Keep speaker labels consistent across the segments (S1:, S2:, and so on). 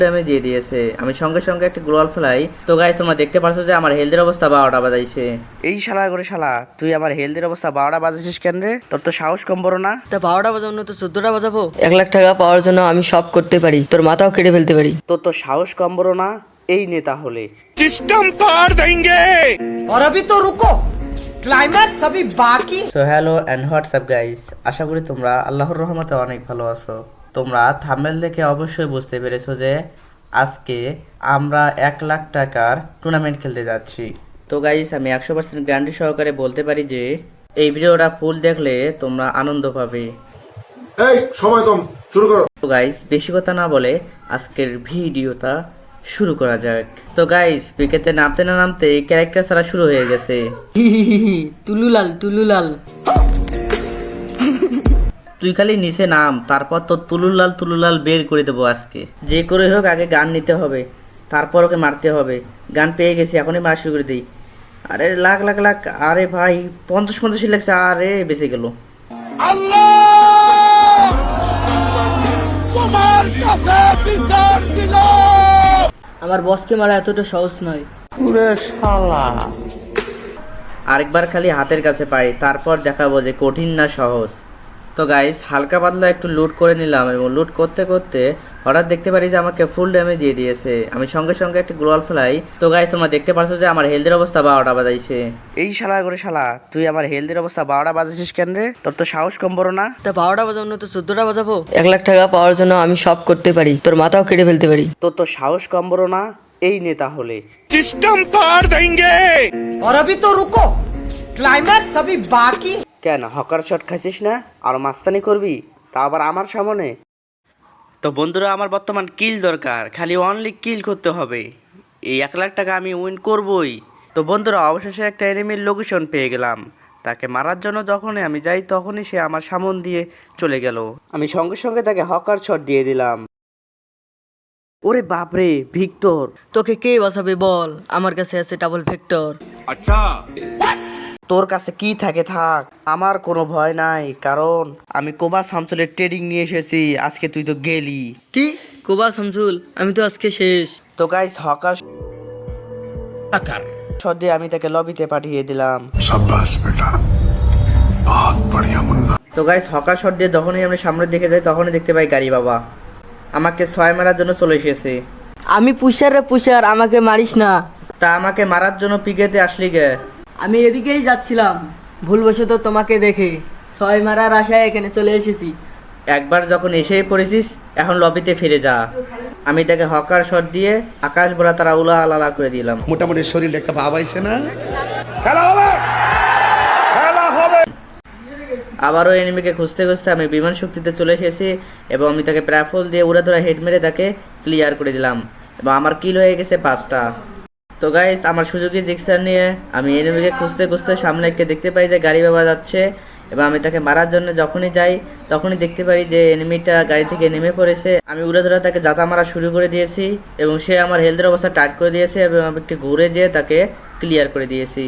S1: আমি দিয়ে দিয়েছে। আমি সঙ্গে সঙ্গে একটা গ্লোয়াল ফেলাই। তো গাইস তোমরা দেখতে পাচ্ছ যে আমার হেলথের অবস্থা 12টা বাজাইছে। এই শালা করে শালা, তুই আমার হেলথের অবস্থা 12টা বাজাইছিস কেন রে? তোর তো সাহস কম বড় না?
S2: তা 12টা বাজানো তো 14টা বাজাবো। 1 লাখ টাকা পাওয়ার জন্য আমি সব করতে পারি, তোর মাথাও কেটে ফেলতে পারি।
S1: তোর তো সাহস কম বড় না? এই নে তাহলে।
S3: सिस्टम पार देंगे।
S4: और अभी तो रुको, क्लाइमैक्स अभी बाकी।
S1: So hello and WhatsApp guys, আশা করি তোমরা আল্লাহর রহমতে অনেক ভালো আছো। তোমরা থাম্বনেল দেখে অবশ্যই বুঝতে পেরেছো যে আজকে আমরা 1 লাখ টাকার টুর্নামেন্ট খেলতে যাচ্ছি। তো গাইস আমি 100% গ্যারান্টি সহকারে বলতে পারি যে এই ভিডিওটা ফুল দেখলে তোমরা আনন্দ পাবে।
S5: এই সময় কম, শুরু করো।
S1: তো গাইস বেশি কথা না বলে আজকের ভিডিওটা শুরু করা যাক। তো গাইস পিকেতে নামতে না নামতে ক্যারেক্টার ছাড়া শুরু হয়ে গেছে।
S2: টুলুলাল টুলুলাল।
S1: তুই খালি নিচে নাম, তারপর তো তুলুলাল তুলুলাল বের করে দেবো আজকে। যে করে হোক আগে গান নিতে হবে, তারপর ওকে মারতে হবে। গান পেয়ে গেছি, এখনই মারা শুরু করে দিই। আরে লাখ লাখ লাখ, আরে ভাই 50 লাগছে, আরে বেঁচে গেল।
S2: আমার বসকে মারা এতটা সহজ নয়।
S1: আরেকবার খালি হাতের কাছে পাই, তারপর দেখাবো যে কঠিন না সহজ। তো গাইস হালকা পাতলা একটু লুট করে নিলাম এবং লুট করতে করতে হঠাৎ দেখতে পারি যে আমাকে ফুল ড্যামেজ দিয়ে দিয়েছে। আমি সঙ্গে সঙ্গে একটা গ্লোয়াল ফেলাই। তো গাইস তোমরা দেখতে পাচ্ছ যে আমার হেলথের অবস্থা 12টা বাজাইছে। এই শালা করে শালা, তুই আমার হেলথের অবস্থা 12টা বাজাইছিস কেন রে? তোর তো সাহস কম বড় না?
S2: তা 12টা বাজানো তো 14টা বাজাবো। 1 লাখ টাকা পাওয়ার জন্য আমি সব করতে পারি, তোর মাথাও কেটে ফেলতে পারি।
S1: তোর তো সাহস কম বড় না? এই নে তাহলে।
S3: सिस्टम पार देंगे।
S4: और अभी तो रुको, क्लाइमैक्स अभी बाकी।
S1: কেন হকার শট খাইছিস না? আর মাস্তানি করবি, তা আবার আমার সামনে? তো বন্ধুরা আমার বর্তমান কিল দরকার, খালি অনলি কিল করতে হবে। এই 1 লাখ টাকা আমি উইন করবই। তো বন্ধুরা অবশেষে একটা এনিমির লোকেশন পেয়ে গেলাম। তাকে মারার জন্য যখনই আমি যাই তখনই সে আমার সামন দিয়ে চলে গেল। আমি সঙ্গে সঙ্গে তাকে হকার শট দিয়ে দিলাম। ওরে বাপরে ভিক্টর!
S2: তোকে কে বাঁচাবে বল, আমার কাছে আছে ডাবল ভেক্টর।
S3: अच्छा
S1: তোর কাছে কি থাকে থাক, আমার কোনো ভয় নাই, কারণ আমি কোবা শামসুলের ট্রেডিং নিয়ে এসেছি। আজকে তুই তো গেলি।
S2: কি কোবা শামসুল, আমি তো আজকে শেষ।
S1: তো গাইস হকার শট দিয়ে আমি তাকে লবিতে পাঠিয়ে দিলাম।
S5: शाबाश बेटा, बहुत बढ़िया मुन्ना।
S1: তো গাইস হকার শট দিয়ে যখনই আমি সামনের দিকে যাই তখনই দেখতে পাই গাড়ি বাবা আমাকে 6 মারার জন্য চলে এসেছে।
S2: আমি পুষার রে পুষার, আমাকে মারিস না।
S1: তা আমাকে মারার জন্য পিকেতে আসলি গে?
S2: আমি এদিকেই যাচ্ছিলাম, ভুলবশত তোমাকে দেখে 6 মারার আশায় এখানে চলে এসেছি।
S1: একবার যখন এসেই পড়েছিস এখন লবিতে ফিরে যা। আমি তাকে হকার শট দিয়ে আকাশ ভরা তারা উলা আলালা করে দিলাম।
S5: মোটামুটি শরীরে একটা ভাব আইছে না?
S3: खेला होगा, खेला होगा।
S1: আবারও এনিমিকে খুঁজতে খুঁজতে আমি বিমান শক্তিতে চলে এসেছি এবং আমি তাকে প্রাফল দিয়ে উড়ে ধরা হেড মেরে তাকে ক্লিয়ার করে দিলাম এবং আমার কিল হয়ে গেছে 5টা। তো গাইস আমার সুযোগী জিক্সার নিয়ে আমি এনিমিকে খুঁজতে খুঁজতে সামনে একটা দেখতে পাই যে গাড়ি বাবা যাচ্ছে এবং আমি তাকে মারার জন্য যখনই যাই তখনই দেখতে পারি যে এনিমিটা গাড়ি থেকে নেমে পড়েছে। আমি উড়ে ধরে তাকে জাতা মারা শুরু করে দিয়েছি এবং সে আমার হেলথের অবস্থা টাইট করে দিয়েছে এবং আমি একটু ঘুরে যেয়ে তাকে ক্লিয়ার করে দিয়েছি।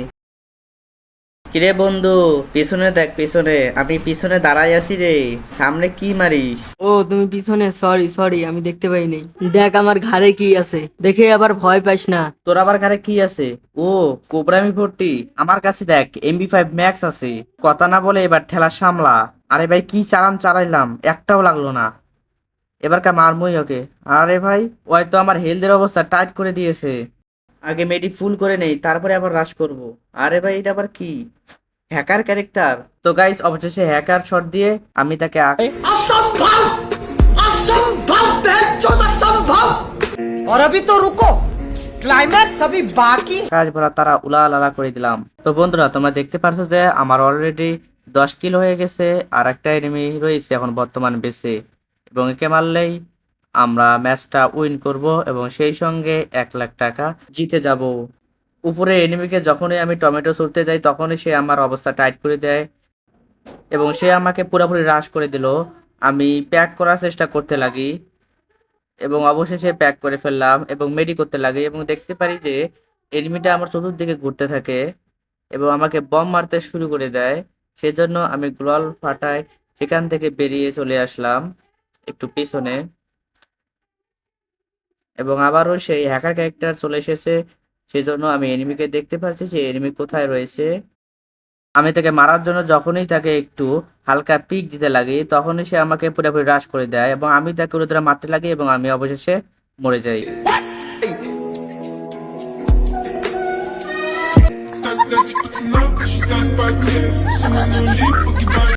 S1: কিরে বন্ধু পিছনে দেখ, পিছনে আমি পিছনে দাঁড়াই আছি রে, সামনে কি মারিস?
S2: ও তুমি পিছনে, সরি সরি, আমি দেখতে পাইনি। দেখ আমার ঘাড়ে কি আছে, দেখে আবার ভয় পাইস না।
S1: তোর আবার ঘরে কি আছে? ও কোবরামি ভর্তি। আমার কাছে দেখ MB5 ম্যাক্স আছে। কথা না বলে এবার ঠেলা সামলা। আরে ভাই কি চালান চালাইলাম, একটাও লাগলো না। এবার কা মারমই ওকে। আরে ভাই ওই তো আমার হেলথের অবস্থা টাইট করে দিয়েছে। আগে মেডি ফুল করে নেই, তারপরে আবার রাশ করব। আরে ভাই এটা আবার কি হ্যাকার ক্যারেক্টার? তো গাইস অবশেষে হ্যাকার শট দিয়ে আমি তাকে
S4: असंभव, असंभव, बेचौद असंभव। और अभी तो रुको, क्लाइमैक्स अभी बाकी।
S1: কাজ ভরা তারা উলা লালা করে দিলাম। তো বন্ধুরা তোমরা দেখতে পারছো যে আমার অলরেডি 10 কিল হয়ে গেছে, আর একটা এনিমি রয়েছে এখন বর্তমান বেঁচে এবং একে মারলেই আমরা ম্যাচটা উইন করব এবং সেই সঙ্গে 1 লাখ টাকা জিতে যাব। উপরে এনিমিকে যখনই আমি টমেটো ছুটতে যাই তখনই সে আমার অবস্থা টাইট করে দেয় এবং সে আমাকে পুরোপুরি হ্রাস করে দিল। আমি প্যাক করার চেষ্টা করতে লাগি এবং অবশেষে প্যাক করে ফেললাম এবং মেডি করতে লাগি এবং দেখতে পারি যে এনিমিটা আমার চতুর্দিকে ঘুরতে থাকে এবং আমাকে বম মারতে শুরু করে দেয়। সেজন্য আমি গ্লোয়াল ফাটায় সেখান থেকে বেরিয়ে চলে আসলাম একটু পিছনে। এবং আবারও সেই হ্যাকার ক্যারেক্টার চলে এসেছে। সেই জন্য আমি এনিমিকে দেখতে পাচ্ছি যে এনিমি কোথায় রয়েছে। আমি তাকে মারার জন্য যখনই তাকে একটু হালকা পিক দিতে লাগি তখনই সে আমাকে পুরোপুরি হ্রাস করে দেয় এবং আমি তাকে উড়ে ধরে মারতে লাগি এবং আমি অবশেষে মরে যাই।